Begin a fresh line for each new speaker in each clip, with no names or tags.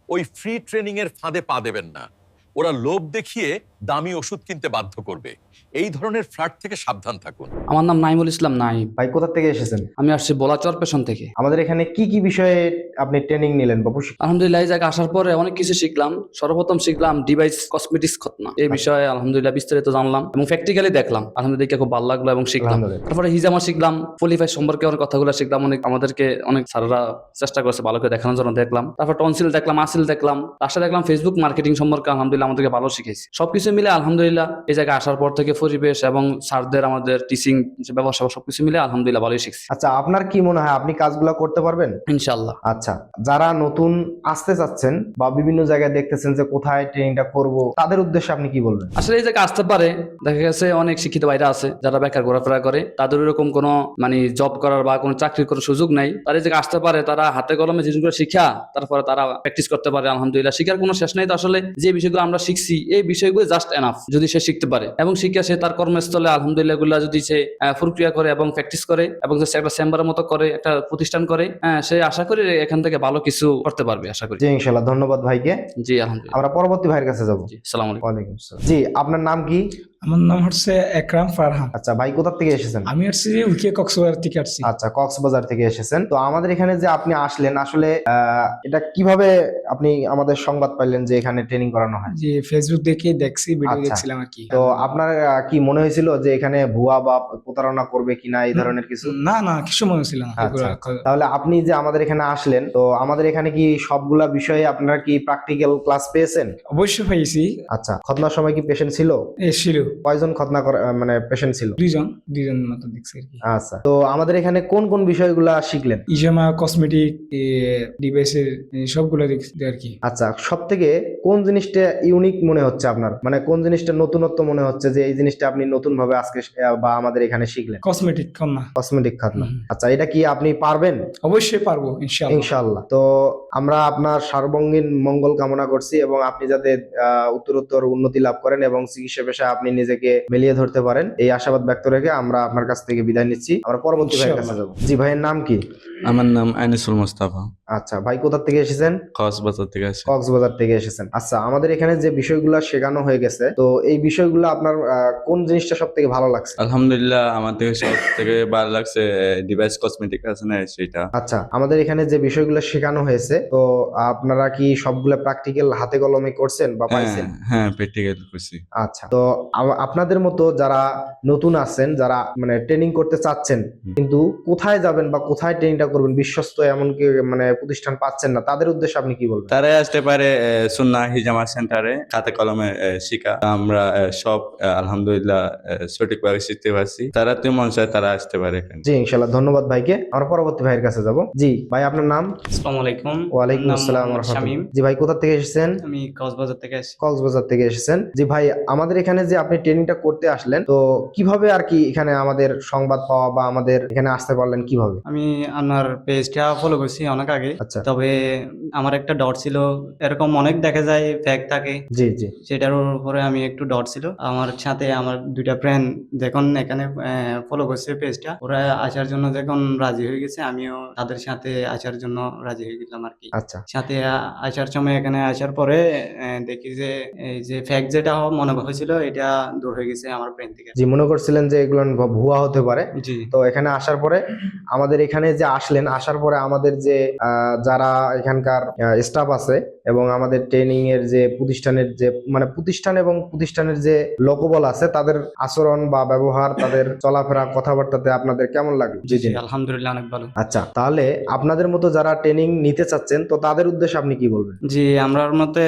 ওই free training এর ফাঁদে পা দেবেন না। ওরা লোভ দেখিয়ে দামি ওষুধ কিনতে বাধ্য করবে। এই ধরনের ফ্ল্যাট থেকে সাবধান থাকুন।
আমার নাম নাইমুল ইসলাম নাইম।
ভাই কোথা থেকে এসেছেন?
আমি আসছি বলাচর পেশন থেকে।
আমাদের এখানে কি কি বিষয়ে আপনি ট্রেনিং নিলেন বা প্রশিক্ষণ?
আলহামদুলিল্লাহ এই জায়গায় আসার পরে অনেক কিছু শিখলাম। সর্বপ্রথম শিখলাম ডিভাইস কসমেটিক্স খতনা, এই বিষয়ে আলহামদুলিল্লাহ বিস্তারিত জানলাম এবং প্র্যাকটিক্যালি দেখলাম। আলহামদুলিল্লাহ খুব ভালো লাগলো এবং শিখলাম।
আলহামদুলিল্লাহ।
তারপরে হিজামা শিখলাম, পলিফাই সম্পর্কে অনেক কথাগুলো শিখলাম। আমাদেরকে অনেক স্যাররা চেষ্টা করেছে ভালো করে দেখানোর জন্য, দেখলাম। তারপর টনসিল দেখলাম, আসিল দেখলাম, লাস্টে দেখলাম ফেসবুক মার্কেটিং সম্পর্কে আলহামদুলিল্লাহ আমাদেরকে ভালো শিখেছি। সবকিছু মিলে আলহামদুলিল্লাহ এই জায়গায় আসার পর থেকে পরিবেশ এবং স্যারদের আমাদের টিচিং ব্যবস্থা সবকিছু মিলে আলহামদুলিল্লাহ ভালোই শিখছি
আচ্ছা, আপনার কি মনে হয় আপনি কাজগুলো করতে পারবেন?
ইনশাআল্লাহ।
আচ্ছা, যারা নতুন আসতে চাচ্ছেন বা বিভিন্ন জায়গায় দেখতেছেন যে কোথায় ট্রেনিংটা করব, তাদের উদ্দেশ্যে আপনি কি বলবেন?
আসলে এই জায়গায় আসতে পারে, দেখা গেছে অনেক শিক্ষিত ভাইরা আছে যারা বেকার ঘোরাফেরা করে, তাদের এরকম কোনো মানে জব করার বা কোনো চাকরির কোনো সুযোগ নাই। তারা এই জায়গায় আসতে পারে, তারা হাতে কলমে জিনিসগুলো শিখা তারপরে তারা প্র্যাকটিস করতে পারে। আলহামদুলিল্লাহ শিখার কোনো শেষ নেই। তো আসলে যে বিষয়গুলো আমরা শিখছি এই বিষয়গুলো জাস্ট এনাফ যদি সে শিখতে পারে এবং শিখে সে তার কর্মস্থলে আলহামদুলিল্লাহ এগুলা যদি সে প্রক্রিয়া করে এবং প্র্যাকটিস করে এবং সে একটা চেম্বারের মতো করে একটা প্রতিষ্ঠান করে, সে আশা করি এখান থেকে ভালো কিছু করতে পারবে আশা করি।
জি ইনশাআল্লাহ, ধন্যবাদ ভাইকে।
জি আলহামদুলিল্লাহ।
আমরা পরবর্তী ভাইয়ের কাছে যাব।
জি আসসালামু আলাইকুম।
ওয়ালাইকুম আসসালাম। জি, আপনার নাম কি?
আমার নাম হচ্ছে একরাম ফারহান।
আচ্ছা ভাই, কোথা থেকে এসেছেন?
আমি আসছি উইকে কক্সবাজার থেকে আসছি।
আচ্ছা, কক্সবাজার থেকে এসেছেন। তো আমাদের এখানে যে আপনি আসলেন, আসলে এটা কিভাবে আপনি আমাদের সংবাদ পাইলেন যে এখানে ট্রেনিং করানো হয়?
যে ফেসবুক দেখে দেখছি, ভিডিও
আচ্ছা।
দেখছিলাম আর কি।
তো আপনার কি মনে হয়েছিল যে এখানে ভুয়া বা প্রতারণা করবে কিনা এই ধরনের কিছু?
না না, কিছু মনে ছিল না।
আচ্ছা, তাহলে আপনি যে আমাদের এখানে আসলেন, তো আমাদের এখানে কি সবগুলা বিষয়ে আপনারা কি প্র্যাকটিক্যাল ক্লাস পেয়েছেন?
অবশ্যই পাইছি।
আচ্ছা, খতনার সময় কি পেশেন্ট ছিল?
ছিল
কয়জন খতনা মানে পেশেন্ট ছিল?
দুইজন মতো দেখছি আর কি।
আচ্ছা, তো আমাদের এখানে কোন কোন বিষয়গুলা শিখলেন?
ইজামা, কসমেটিক, ডিভাইসের সবগুলো দেখছি আর কি।
আচ্ছা, সব থেকে কোন জিনিসটা ইউনিক মনে হচ্ছে আপনার, মানে কোন জিনিসটা নতুনত্ব মনে হচ্ছে যে এই জিনিসটা আপনি নতুন ভাবে আজকে বা আমাদের এখানে শিখলেন?
কসমেটিক খতনা।
কসমেটিক খাতনা। আচ্ছা, এটা কি আপনি পারবেন?
অবশ্যই পারবো ইনশাআল্লাহ।
ইনশাআল্লাহ। তো আমরা আপনার সার্বঙ্গীন মঙ্গল কামনা করছি এবং আপনি যাতে উত্তরোত্তর উন্নতি লাভ করেন এবং চিকিৎসা পেশায় আপনি নিজেকে মিলিয়ে ধরতে পারেন, এই আশাবাদ ব্যক্ত রেখে আমরা আপনার কাছ থেকে বিদায় নিচ্ছি। আমরা পরবর্তী ভাইয়ের কাছে যাব। জি, ভাইয়ের নাম কি?
আমার নাম আনিসুল মুস্তাফা।
আচ্ছা ভাই, কোথা থেকে এসেছেন?
কক্সবাজার থেকে আসি।
কক্সবাজার থেকে এসেছেন। আচ্ছা, আমাদের এখানে যে বিষয়গুলো শেখানো হয়ে গেছে, তো এই বিষয়গুলো আপনার কোন জিনিসটা সব থেকে ভালো লাগছে?
আলহামদুলিল্লাহ, আমার থেকে সব থেকে ভালো লাগছে ডিভাইস কসমেটিক আছে না সেটা।
আচ্ছা, আমাদের এখানে যে বিষয়গুলো শেখানো হয়েছে, তো আপনারা কি সবগুলো প্র্যাকটিক্যাল হাতে কলমে করছেন বা পাইছেন?
হ্যাঁ প্র্যাকটিক্যাল করছি।
আচ্ছা, তো আপনাদের মতো যারা নতুন আছেন, যারা মানে ট্রেনিং করতে চাচ্ছেন কিন্তু কোথায় যাবেন বা কোথায় ট্রেনিংটা করবেন, বিশ্বস্ত এমনকি মানে প্রতিষ্ঠান পাচ্ছেন না, তাদের উদ্দেশ্যে আপনি কি বলবেন?
তারাই আসতে পারে সুন্নাহ হিজামা সেন্টারে, হাতে কলমে শিখা আমরা সব আলহামদুলিল্লাহ সঠিকভাবে শিখতে পারছি। তারা তো মন চায় তারা আসতে পারে এখানে।
জি ইনশাআল্লাহ, ধন্যবাদ ভাইকে। আমরা পরবর্তী ভাইয়ের কাছে যাব। জি ভাই, আপনার নাম?
আসসালামু আলাইকুম।
ওয়ালাইকুম
নাম
আসসালাম ওয়া
মোহাম্মদ
রাহমাতুল্লাহ।
শামীম।
জি ভাই, কোথা থেকে এসেছেন?
আমি কক্সবাজার থেকে আসছি।
কক্সবাজার থেকে এসেছেন। জি ভাই, আমাদের এখানে যে আপনি ট্রেনিংটা করতে আসলেন, তো কিভাবে আর কি এখানে আমাদের সংবাদ পাওয়া বা আমাদের এখানে আসতে পারলেন কিভাবে?
আমি আপনার পেজটা ফলো করছি অনেক আগে।
আচ্ছা।
তবে আমার একটা ডট ছিল, এরকম অনেক দেখা যায় ফ্যাক থাকে,
জি জি।
সেটার উপরে আমি একটু ডট ছিল। আমার সাথে আমার দুইটা ফ্রেন্ড যখন এখানে ফলো করছে পেজটা, ওরা আসার জন্য যখন রাজি হয়ে গেছে, আমিও তাদের সাথে আসার জন্য রাজি হয়ে গেলাম আর কি।
আচ্ছা
সাথে আসার সময় এখানে আসার পরে দেখি যে এই যে ফ্যাক যেটা মনে হয়েছিল এটা দূর হয়ে গেছে আমার ব্রেন থেকে।
জি, মনে করছিলেন যে এগুলো ভুয়া হতে পারে।
জি
তো এখানে আসার পরে আমাদের এখানে যে আসলেন, আসার পরে আমাদের যে যারা এখানকার স্টাফ আছে এবং আমাদের ট্রেনিং এর যে প্রতিষ্ঠানের যে মানে প্রতিষ্ঠান এবং প্রতিষ্ঠানের যে লোকবল আছে, তাদের আচরণ বা ব্যবহার, তাদের চলাফেরা, কথাবার্তাতে আপনাদের কেমন লাগে?
জি জি, আলহামদুলিল্লাহ অনেক ভালো।
আচ্ছা, তাহলে আপনাদের মতো যারা ট্রেনিং নিতে চাচ্ছেন, তো তাদের উদ্দেশ্যে আপনি কি বলবেন?
জি, আমরার মতে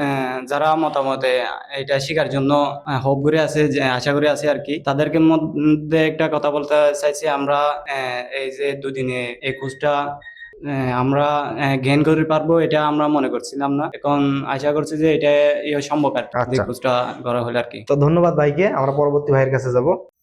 যারা মতামতে এটা শেখার জন্য হোপ করে আছে, যে আশা করে আছে আর কি, তাদেরকে মধ্যে একটা কথা বলতে চাইছি। আমরা এই যে দুদিনে এই কোর্সটা আমরা গেইন করতে পারবো এটা আমরা মনে করছিলাম না, এখন আশা করছি যে এটা সম্ভব আর কি,
আচ্ছা।
কোর্সটা করা হলে আর কি।
তো ধন্যবাদ ভাইকে। আমরা পরবর্তী ভাইয়ের কাছে যাব।